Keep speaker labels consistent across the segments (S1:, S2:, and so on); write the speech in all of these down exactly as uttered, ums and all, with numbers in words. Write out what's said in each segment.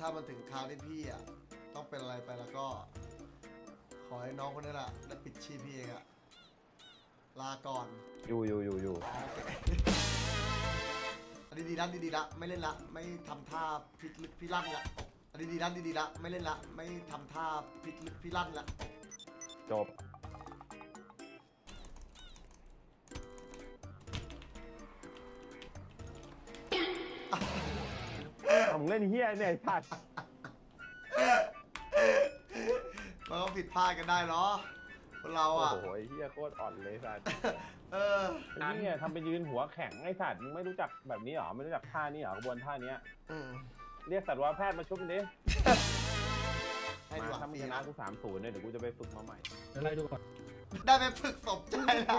S1: ถ้ามันถึงคราวที่พี่อ่ะต้องเป็นอะไรไปแล้วก็ ขอให้น้องคนนี้แหละได้ปิดชีพพี่เองอะลาก่อน
S2: อยู่อยู่อยู่อยู่
S1: อันนี้ดีละดีๆละไม่เล่นละไม่ทำท่าพิกลึกพิลั่นละอันนี้ดีละดีๆละไม่เล่นละไม่ทำท่าพิกลึกพิลั่นละ
S2: จบเอามึงเล่นเฮียเนี่ยไอ้สัตว์
S1: มันก็ผิดพลาดกันได้เนาะคนเรา
S2: โอ้
S1: อ่ะ
S2: โหไอ้เฮียโคตรอ่อนเลยสัตว์
S1: เออ
S2: ไอ้เฮียทำไปยืนหัวแข็งไอ้สัตว์มึงไม่รู้จักแบบนี้เหรอไม่รู้จักท่านี้เหรอกระบวนท่านี้
S1: อืม
S2: เรียกสัตวแพทย์มาชุบมันดิ
S1: ให้ดู
S2: มา
S1: หวั
S2: ถ้าง มึง
S1: ปี
S2: ชนะ
S1: นะ
S2: กูสามศูนย์เนี่ยเดี๋ยวกูจะไปฝึกมาใหม่
S3: เดี๋ยวไล่ดูก่อน
S1: ได้ไปฝึกสมใจละ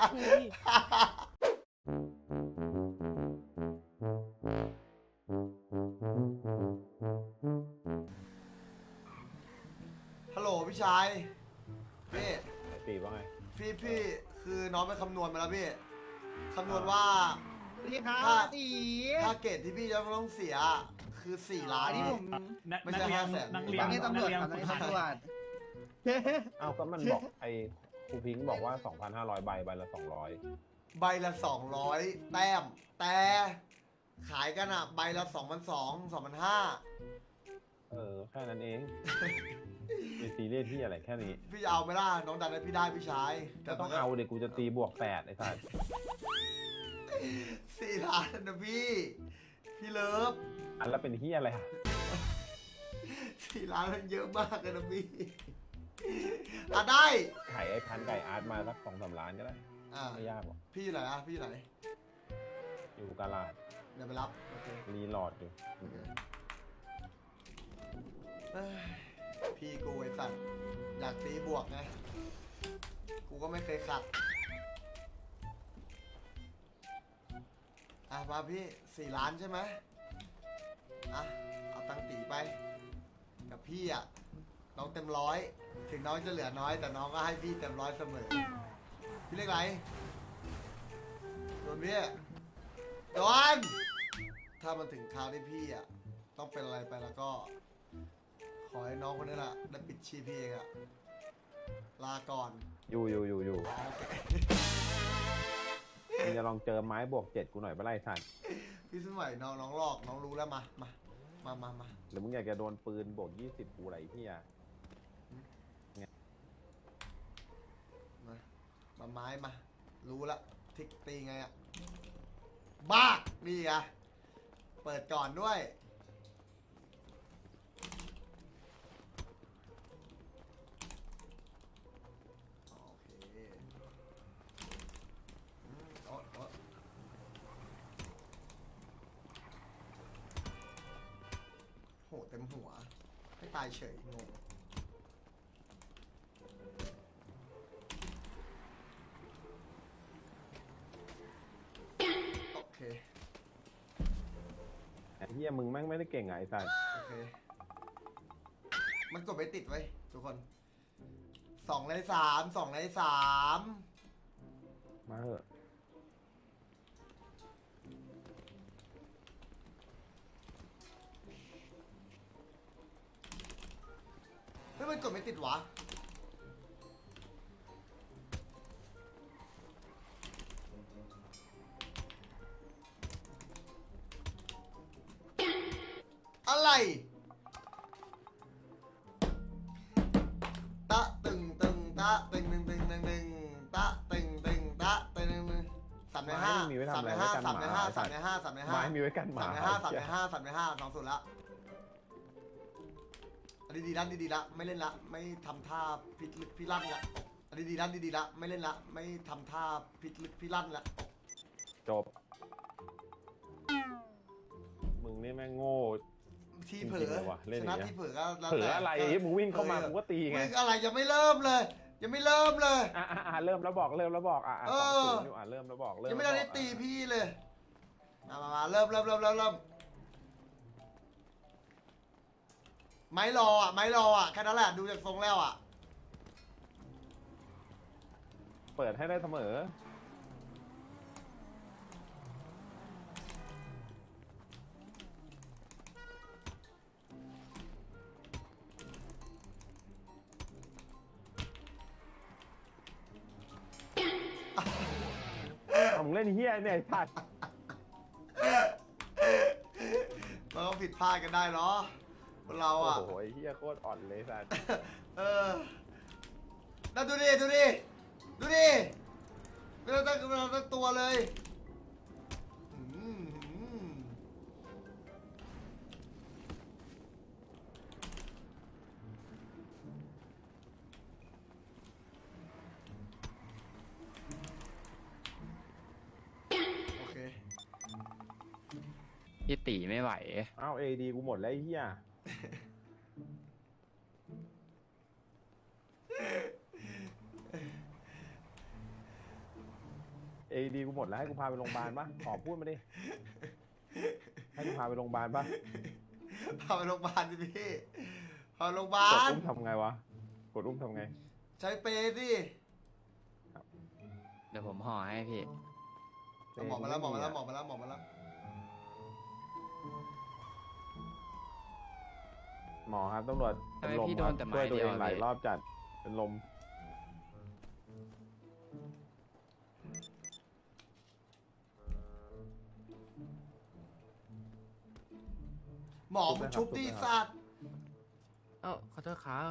S1: ฮัลโหลพี่ชายพี่
S2: ไอ้ปีว่าไง
S1: พี่พี่คือน้องไปคำนวณมาแล้วพี่คำนวณว่า
S4: พี่ครับ
S1: ถ้า
S4: ตี
S1: ถ้าเกรดที่พี่จะต้องเสียคือสี่ล้าน
S4: อันนี้ผม
S3: นัก
S1: ไม่
S3: นั
S1: ใช่
S3: กเรียน
S1: ห้าแสน
S3: นักเรีย
S4: ต
S3: น
S4: อนนี้ตำรวจ
S3: นักเรียน
S4: ครับตอน
S3: ฝึ
S4: นี้
S3: กหัด
S4: ตำรวจ
S2: เอาก็มันบอกไอ้ครูพิงค์บอกว่า สองพันห้าร้อย ใบใบละสองร้อย
S1: ใบละสองร้อยแต้ม แต่ขายกันอะใบละสองพันสองสองพันห้า
S2: เออแค่นั้นเองไม่ซีเรียสที่อะไรแค่นี้
S1: พี่จะเอาไหมล่ะน้องดันให้พี่ได้พี่ชาย
S2: ก็ต้องเอาเด็กกูจะตีบวกแปดไอ้สัตว์
S1: สี่ล้านนะพี่ พี่เลิฟ
S2: อันละเป็นเฮียอะไรอะ
S1: สี่ล้านมันเยอะมากเลยนะพี่อ่ะได้
S2: ขายไอ้พันไก่อาร์ตมาสักสองสามล้านก็ได้
S1: อ่า
S2: ไม่ยากหรอก
S1: พี่อยู่ไหนอะพี่อยู่ไหน
S2: อยู่กาลาด
S1: เดี๋ยวไปรับโอเค
S2: รีโหลอดอยู่
S1: เอ้ยพี่กูไอ้สัตว์อยากตีบวกไงกูก็ไม่เคยขัดอ่ะมาพี่สี่ล้านใช่ไหมอ่ะเอาตังค์ตีไป กับพี่อ่ะน้องเต็มร้อยถึงน้องจะเหลือน้อยแต่น้องก็ให้พี่เต็มร้อยเสมอพี่เรียกอะไรโดนพี่โดนถ้ามันถึงคราวที่พี่อ่ะต้องเป็นอะไรไปแล้วก็ ขอให้น้องคนนี้แหละได้ปิดชีพพี่เองอะลาก่อน
S2: อยู่อยู่อยู่อยู่มึงจะลองเจอไม้บวกเจ็ดกูหน่อยไปไล่สัตว์
S1: พี่สมัยน้องน้องหลอกน้องรู้แล้วมามามามามา
S2: หรือมึงอยากจะโดนปืนบวกยี่สิบกูอะไรพี่อะ
S1: มามาไม้มา รู้ละทิกตีไงอะบ้านี่ไงเปิดก่อนด้วยโอเคอืมโอ๊ยโอ๊ยโหเต็มหัวให้ตายเฉยงงโอเค
S2: ไอ้เฮียมึงแม่งไม่ได้เก่งอะไงสัตว์
S1: โอเค มันกดไปติดไว้ทุกคน สองในสามสองในสาม
S2: มาเถอะ
S1: เฮ้ยมันกดไม่ติดวะ อะไร ตะตึงตึงตะตึงตึงตึงตึงตึงตะตึงตึงตะตึงตึงตึงสามในห้า
S2: มีไว้ทำ
S1: สาม
S2: อะไร
S1: ใน
S2: ไว้
S1: ห้า
S2: กัน
S1: สาม
S2: ห
S1: ใน
S2: มา
S1: ห้า
S2: ไอ้
S1: สา
S2: สั
S1: ม
S2: ต
S1: ใน
S2: ว์
S1: ห้าสามในห้า
S2: ไม้มีไว้กันหมา
S1: สามในห้าสาม
S2: ไอ้
S1: ใน
S2: เหี้ย
S1: ห้าสามในห้าสองสุดละอันนี้ดีละดีๆละไม่เล่นละไม่ทำท่าพิลึกพิลั่นละอันนี้ดีละดีๆละไม่เล่นละไม่ทำท่าพิลึกพิลั่นละ
S2: จบ มึงนี่แม่งโง่
S1: ที่เผล
S2: จริงๆ
S1: อ
S2: เลยว่ะเล่น
S1: ช
S2: อย่าง
S1: นะ
S2: เงี้ย
S1: ที่เผลอก็แล้ว
S2: เผลอ
S1: แต่
S2: อะไรมึงวิ่งเข้ามากูก็ตีไง
S1: มึงอะไรยังไม่เริ่มเลย ยังไม่เริ่มเลย
S2: อ่ะอ่ะอ่ะเริ่มแล้วบอกเริ่มแล้วบอกอ่ะอ่ะ
S1: เอ
S2: สอง
S1: อ
S2: ศูนย์อยู่อ่ะเริ่มแล้วบอกเริ่ม
S1: ยังไม่
S2: แล้ว
S1: ได้
S2: บอก
S1: ตี
S2: อ่ะ
S1: พี่เลยมามามาเริ่มเริ่มเริ่มเริ่มเริ่มไม้รออ่ะไม้รออ่ะแค่นั้นแหละดูจากทรงแล้วอ่ะ
S2: เปิดให้ได้เสมอล่นเฮียเนี่ยไอ้สัตว์
S1: มันก็ผิดพลาดกันได้เนาะคนเรา
S2: โอ้
S1: อ่ะ
S2: โหไอ้เฮียโคตรอ่อนเลยสัตว์
S1: เออนั่นดูดิ ดูดิ ดูดิไม่ต้องตั้งไม่ต้องตั้งตัวเลยอืมอืมโอเค
S3: พี่ตีไม่ไหว
S2: อ้าวเอดีกูหมดแล้วไอ้เฮียเอดีกูหมดแล้วให้กูพาไปโรงพยาบาลปะขอพูดมาดิให้กูพาไปโรงพยาบาลปะ
S1: พาไปโรงพยาบาลดิพี่พาไปโรงพยาก บา
S2: ด
S1: ล
S2: อุ้มทำไงวะกดอุ้มทำไง
S1: ใช้เปรย์สิ
S3: เดี๋ยวผมห่อให้พี่
S1: หมอมาแล้วหมอมาแล้วหมอมาแล้วหมอมาแล้ว
S2: หมอครับตำรวจ
S3: ทำไม
S2: เป็นลม
S3: พี่โด
S2: ครั
S3: น
S2: บ
S3: แต่ไม้
S2: ช่วยตัวเอง
S3: เดียวอะ
S2: หลาย
S3: พี่
S2: รอบจัดเป็นลม
S1: หมอมึงชุบดิสัตว์
S4: เอ้าขอโทษครับ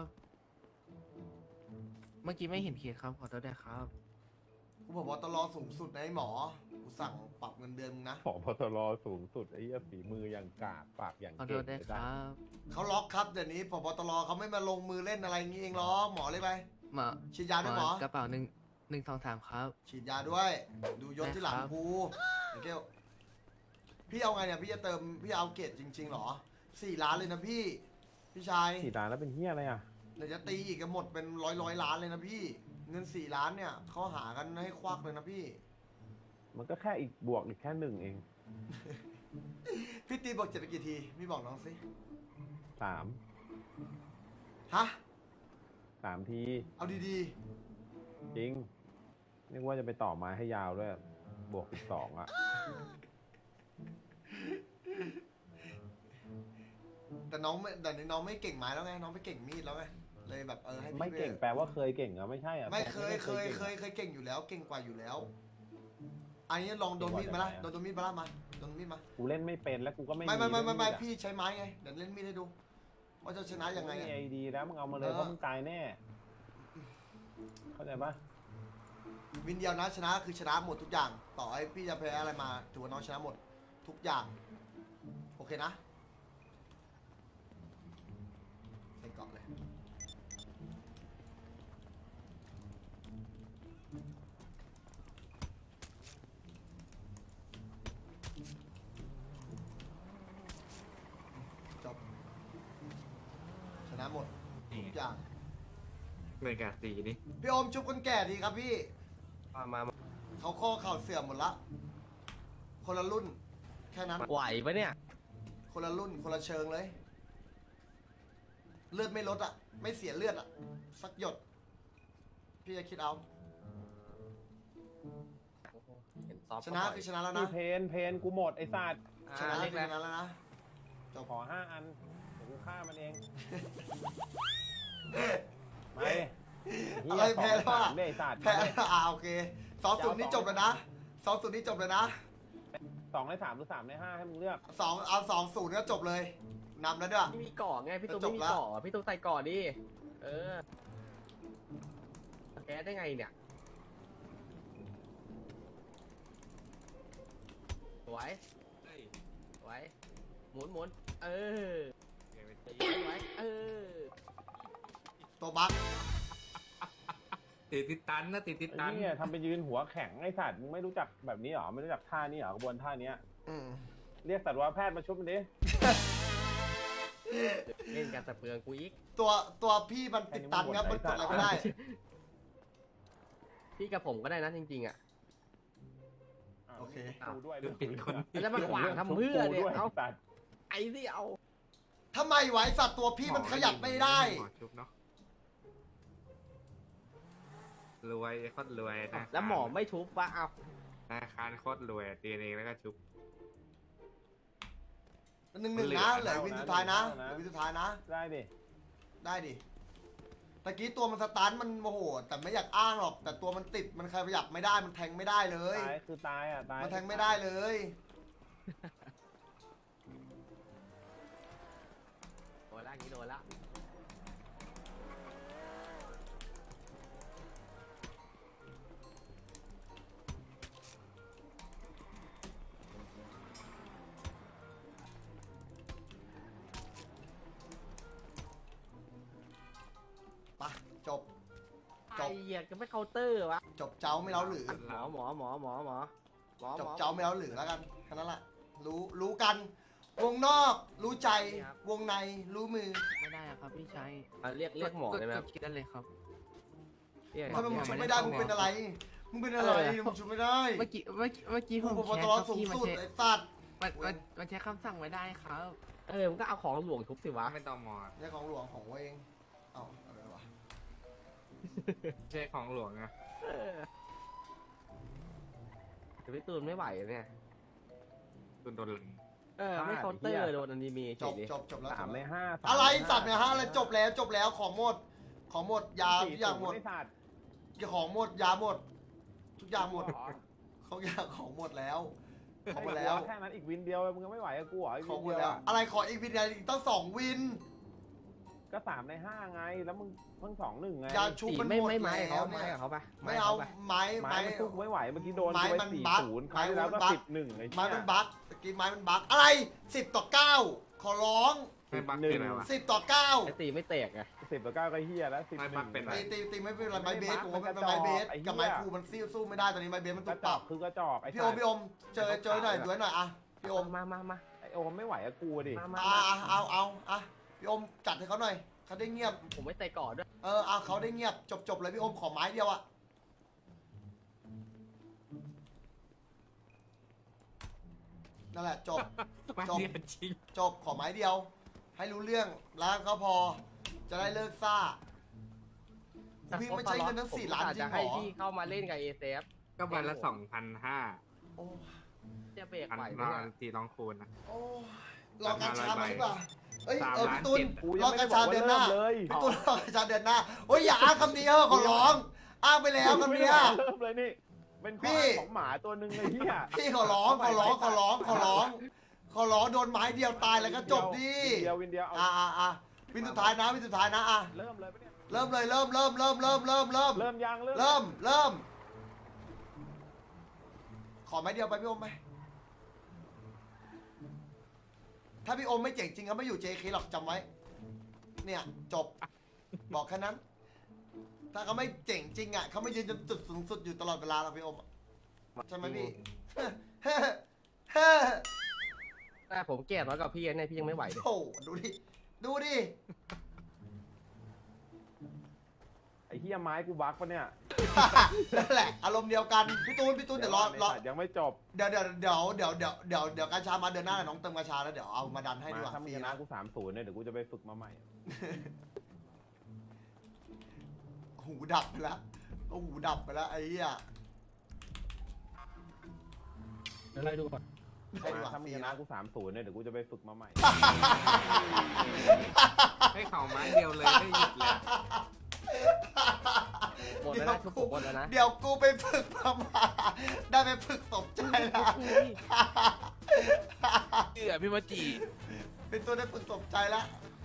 S4: เมื่อกี้ไม่เห็นเคสครับ ขอโทษด้วยครับ
S1: กูบอกว่าตลอสูงสุดนะไอ้หมอ กูสั่งปรับเงินเดือนมึงนะ
S2: ผอพตรสูงสุดไอ้เหี้ยฝีมืออย่างกากปากอย่าง
S4: ขอโท
S2: เก่ง
S4: ษด้วย
S2: เลย
S4: ค
S2: นะ
S4: รับ
S1: เขาล็อกครับเดี๋ยวนี้พบตรเขาไม่มาลงมือเล่นอะไรงี้เองหรอกหมอเลยไป
S4: หมอ
S1: ฉีดยาด้วยหมอ
S4: กระเป๋าหนึ่งหนึ่งสองสามครับ
S1: ฉีดยาด้วย ดูยศที่หลัง
S4: ได้ครับ
S1: กูเดี๋ยวเกลพี่เอาไงเนี่ยพี่จะเติมพี่เอาเกรดจริงๆหรอสี่ล้านเลยนะพี่ พี่ชาย
S2: สี่ล้านแล้วเป็นเฮียอะไรอ่ะ
S1: เดี๋ยวจะตีอีกกันหมดเป็นร้อยร้อยล้านเลยนะพี่ เงินสี่ล้านเนี่ยเขาหากันให้ควักเลยนะพี่
S2: มันก็แค่อีกบวกอีกแค่หนึ่งเอง
S1: พี่ตีบอกเจ็ดไปกี่ทีพี่บอกน้องสิ
S2: สาม
S1: ฮะ
S2: สามที
S1: เอาดี
S2: จริงนึกว่าจะไปต่อไม้ให้ยาวด้วยบวกอีกสองอ่ะ
S1: ๆแต่น้องไม่แต่นี้น้องไม่เก่งไม้แล้วไงน้องไปเก่งมีดแล้วไงเลยแบบเออให้พี่
S2: ไม่เก่ง
S1: ป
S2: แปลว่าเคยเก่งเหรอไม่ใช่อ่ะ
S1: ไม่เคย
S2: แต่
S1: เคย
S2: ก่ง
S1: เคยเคยเก่งอยู่แล้ว เก่งกว่าอยู่แล้ว อันนี้ลองโดนมีดมาละโดนโดนมีดมาละมาโดนมีดมา
S2: กูเล่นไม่เป็นแล้วกูก็ไม่
S1: ไม่ไม่ไม่ไม่ไม่
S2: ด้วย
S1: พี่ใช้ไม้ไงเดี๋ยวเล่นมีดให้ดูว่าจะชนะยังไง
S2: มี
S1: อะ
S2: ไอดีแล้วมึงเอามาเลย
S1: เออ
S2: เพราะมึงตายแน่เข้าใจปะ
S1: วินเดียวนะชนะคือชนะหมดทุกอย่าง ต่อให้พี่จะแพ้อะไรมาถือว่าน้องชนะหมดทุกอย่าง โอเคนะใส่เกาะเลยจบชนะหมดทุกอย่าง
S5: เหมือนกับสีนี่
S1: พี่โอมชุบคนแก่ดีครับพี่
S5: มามามา
S1: เขาข้อเข่าเสื่อมหมดละ คนละรุ่น แค่นั้น
S4: ไหวปะเนี่ย
S1: คนละรุ่น คนละเชิงเลย เลือดไม่ลดอ่ะ ไม่เสียเลือดอ่ะ สักหยด พี่จะคิดเอา ชนะคือชนะแล้วนะ
S2: นี่เพนเพนกูหมดไอ้สัตว์
S1: ชนะ
S4: เล
S1: คือ
S4: ข
S1: ช
S4: แล้ว
S1: นะแล้วนะจบ
S2: ขอห้าอันเดี๋ยวกูฆ่ามันเองไม่เหี้ย
S1: อะไรแพ้แล้ว
S2: สอง
S1: อ่ะ
S2: สามด้วยไอ้สัตว์
S1: แพ้อ่าโอเคสองศูนย์นี่จบแล้วนะสองศูนย์นี่จบเลยนะ
S2: สองในสามหรือสามในห้าให้มึงเลือก
S1: สองเอาสองศูนย์ก็จบเลยนำแล้วด้วย
S6: พี่มีเกาะไงพี่ตุ๊ก
S1: จะจบ
S6: ไม่มี
S1: แล้ว
S6: เกาะพี่ตุ๊กใส่เกาะดิเออแกได้ไงเนี่ยสวยสวยหมุนหมุนเออสวยเออ
S1: ตัวบั๊ก
S5: ติดติดตันนะติดติด
S2: ไอ้
S5: ตัน
S2: เนี่ยทำเป็นยืนหัวแข็งไอ้สัตว์มึงไม่รู้จักแบบนี้เหรอไม่รู้จักท่านี้เหรอกระบวนท่าเนี้ย
S1: อืม
S2: เรียกสัตวแพทย์มาชุบมันดิ
S6: เล่นกันแต่เปลืองกูอีก
S1: ตัวตัวพี่มันติดตันครับมันกดอะไรไม่ได้
S6: พี่กับผมก็ได้นะจริงๆอ่ะ
S1: โอเค
S2: กูด้วย
S5: ดูปิดคน
S6: แล้วมาขวางทำเพื่อเนี่ย
S2: เอา
S6: เอา
S2: สัตว์
S6: ไอ้ที่เอา
S1: ทำไมไหวสัตว์ตัวพี่มันขยับไม่ได้
S5: หมอชุบเนาะรวยโคตรรวยนะ
S6: แล้วหมอไม่ทุบวะเอา
S5: ธนาคารโคตรรวยตีเองแล้วก็ชุบ
S1: หนึ่งหนึ่งนะเหลือวินสุดท้ายนะเหลือวินสุดท้ายนะ
S2: ได้ดิ
S1: ได้ดิตะกี้ตัวมันสตาร์ทมันโมโหแต่ไม่อยากอ้างหรอก แต่ตัวมันติดมันขยับไม่ได้มันแทงไม่ได้เลย
S2: ตายคือตายอ่ะตาย
S1: มันแทงไม่ได้เลย
S6: โดนละอย่างนี้โดนละ
S1: ปะจบ จ
S6: ไอ้
S1: บ
S6: เหี้ยจะไม่เคาน์เตอร์วะ
S1: จบเจ้าไม่เล้าหรือ
S6: หมอหมอหมอหมอหมอหมอ
S1: จบ
S6: หมอ
S1: เจ้าไม่เล้าหรือแล้วกันแค่นั้นแหละรู้รู้กัน วงนอกรู้ใจ วงในรู้มือ
S4: ไม่ได้อะครับพี่ชาย
S6: อ่ะเรียกเรียกหมอได้ไหมครับ
S4: กคิดได้เลยครับ
S6: เรียก
S1: ทำไมมึง
S4: ยัง
S1: ชุบ
S4: ไม่
S1: ไม่
S4: ได้
S1: ได้
S4: เข้า
S1: มึงเป็นอะไร มึงเป็นอะไร
S6: อะไรอะ
S1: มึงชุบไม่ได้
S4: เมื่อกี้เมื่อกี้เมื่อกี้ผ
S1: ผู้
S4: ม
S1: ปก
S4: แช
S1: คร
S4: ร์
S1: อง
S4: ครับ
S1: สูง
S4: พี่มัน
S1: สุด
S4: ใช้
S1: ไอ้สัตว์
S4: มันมันมันใช้คำสั่งไม่ได้ครับ
S6: เออมันก็เอาของหลวงทุบสิวะ
S5: ไม่ต้องมอ
S1: นี่ของหลวงของเองเอ้าอะไรวะ
S5: ไม่ใช่ของหลวงนะ
S6: เออแต่พี่ตูนไม่ไหวเนี่ย
S5: ตุนโดนหลัง
S6: เออไม่เคาน์เตอร์โดนอนิเมะ
S1: จ
S6: เฉ
S1: บ
S6: ยดิ
S1: จบจบแล้ว
S2: สามใน
S1: จบ
S2: ห้า
S1: แล้วอะไรสัตว์เนี่ยฮะอะไรจบแล้วจบแล้วของหมด ของหมดยาทุกอย่างหมด
S2: ไสัตว์
S1: ของหมดยาหมด ทุกอย่างหมดเขาอยากของหมดแล้วของหมดแล้ว
S2: แค่นั้นอีกวินเดียวมึงก็ไม่ไหวกับกูเหรออีก
S1: ข
S2: วิ
S1: อง
S2: น
S1: หม
S2: เดี
S1: ด
S2: ยว
S1: แล้ว
S2: อะ
S1: อะไรขออีกวินเดียวอีกตั้งสองวิน
S2: ก็สามในห้าไงแล้วมึงเพิ่งสองหนึ่งไง
S1: ยาชุบ
S6: ตี
S1: มัน
S6: ไม่
S1: หมด
S6: ไม่ไม้
S1: แล้
S6: เขา
S1: ว
S6: ไม้
S1: เนี่ย
S6: กับเขาปะ
S1: ไม่เอา
S6: ปะ
S1: ไม้
S2: ไม้
S1: ไม้
S2: มันสู้กูไม่ไหวเมื่อกี้โดน
S1: ไม้
S2: กูไป
S1: มัน
S2: สี่
S1: บั๊ก
S2: ศูนย์ค
S1: ไม้
S2: รั้งที่แล้ว
S1: มั
S2: ก็
S1: นบั๊ก
S2: สิบหนึ่งไอ้
S1: ไม้
S2: เหี้ย
S1: มันบั๊กตะกี้ไม้มันบั๊กอะไรสิบต่อเก้าขอร้อง
S5: ไม่บักเป็นอะไรวะ
S1: สิบต่อเก้า
S6: ไอตีไม่แตกไง
S2: สิบต่อเก้าก็เฮียแล้วสิบ
S5: ไม่
S2: ห
S5: บั
S2: นึ่
S5: ก
S2: ง
S5: เป็นไร
S1: ตีตีตีไม่เป็นไรไม้เบสผม
S2: มั
S1: ว่าน เป็น
S2: กระจอก
S1: ไม้เบส
S2: ไอ้เหี้ย
S1: กับไม้ครูมันสู้สู้ไม่ได้ตอนนี้ไม้เบสมัน
S2: ก
S1: ถู
S2: ระ
S1: ก
S2: จ
S1: ป
S2: อ
S1: รั
S2: ก
S1: บ
S2: คือกระจอกไอ้
S1: พี่โอมพี่โอมเจอเจอหน่อยด้วยหน่อยอะพี่โอม
S6: มามามา
S2: ไอ้โอมไม่ไหวกับกูดิ
S6: มามา
S1: อ่าเอาเอาอ่ะพี่โอมจัดให้เขาหน่อยเขาได้เงียบ
S6: ผมไม่เตะก่อนด้วย
S1: เออเอาเขาได้เงียบจบจบเลยพี่โอมขอไม้เดียวอะนั่นแหละจบ
S5: มา
S1: จบ
S5: เดียวจริง
S1: จบขอไม้เดียว ให้รู้เรื่องแล้วก็พอ จะได้เลิกซ่าพี่ไม่ใช่เงินทั้งสี่ล้านจริ
S6: จะ
S1: งเหร
S6: ให้
S1: อ
S6: พี่เข้ามาเล่นกับเอเซฟ
S5: ก็วันละสองพันห้า
S1: โอ้
S6: จะเบรก
S5: พัน
S6: ไหวไหม
S5: นอ
S6: เนี่ย
S5: นตีน้องคูณนะ
S1: โอ้รอการชามาดีกว่าเอ้ย
S5: สาม
S1: เออ
S5: ล้าน
S1: พี่ตูน
S5: เจ็ด
S2: กู
S1: ร
S2: ยั
S1: อง
S2: ไม่
S1: กา
S2: ได้
S1: ร
S2: บอ
S1: ชาก เดื
S2: ว่า
S1: อนห
S2: เริ่
S1: น้าม
S2: เลย
S1: พี่ตูนรอกระชาเดือนหน้าโอ้ยอย่าอ้างคำนี้เออขอร้องอ้างไปแล้วคำเนี้ย
S2: เริ่มเลยนี่เป็นข้อ
S1: พี่
S2: อ้างของหมาตัวหนึ่งเลยเฮีย
S1: พี่ขอร้องขอร้องขอร้องขอร้องขอร้องโดนไม้เดียวตายแล้วก็จบดิ
S2: วินเดียววินเดียวเอา
S1: อ่าอ่าอ่าวินสุดท้ายนะวินสุดท้ายนะอ่ะ
S2: เริ่มเลยปะเนี่ย
S1: เริ่มเลยเริ่มเริ่มเริ่มเริ่มเริ่มเริ่ม
S2: เริ่มยังเริ่ม
S1: เริ่มเริ่มขอไม้เดียวไปพี่อมไหมถ้าพี่อมไม่เจ๋งจริงเขาไม่อยู่ เจ เค หรอกจำไว้ เนี่ยจบ บอกแค่นั้น ถ้าเขาไม่เจ๋งจริงอ่ะเขาไม่ยืนจนจุดสูงสุดอยู่ตลอดเวลาหรอกพี่อมอะใช่ไหมพี่
S6: แต่ผมแก่น้อยกว่าพี่เนี่ยพี่ยังไม่ไหวเลย
S1: โอ้โหดูดิ ดูดิ
S2: ไอ้เฮียไม้กูบักปะเนี่ย
S1: นั่นแหละ อารมณ์เดียวกัน พี่ตูน พี่ตูนเดี๋ยวรอรอ
S2: ไสัตว์ยังไม่จบ
S1: เดี๋ยวเดี๋ยวเดี๋ยวเดี๋ยวเดี๋ยวเดี๋ยวเดี๋ยวกาชามาเดือนหน้าน้องเติมกาชาแล้วเดี๋ยวเอามาดันให้ดีก
S2: มา
S1: ว่า
S2: ถ้า
S1: ฟ
S2: มึง
S1: รี
S2: ชนะ
S1: นะ
S2: กูสามศูนย์เนี่ยเดี๋ยวกูจะไปฝึกมาใหม่
S1: หูดับไปแล้วโอ้หูดับไปแล้วไอ้เหี้ย
S4: เดี๋ยวไล่ดูก่อน
S1: ให้ดี
S2: มาก
S1: ว่า
S2: ถ้า
S1: ฟ
S2: มึ
S1: รี
S2: งชนะ
S1: นะ
S2: กูสามศูนย์เนี่ยเดี๋ยวกูจะไปฝึกมาใหม่
S5: ให้เข่าไม้เดียวเลยได้หยุดเลย
S6: หมดแล้วนะทุกผมหมดแล้วนะ
S1: เดี๋ยวกูไปฝึกมามาได้ไปฝึกสมใจแล้ว
S4: เชื่อพี่มาจี
S1: เป็นตัวได้ฝึกสมใจแล้ว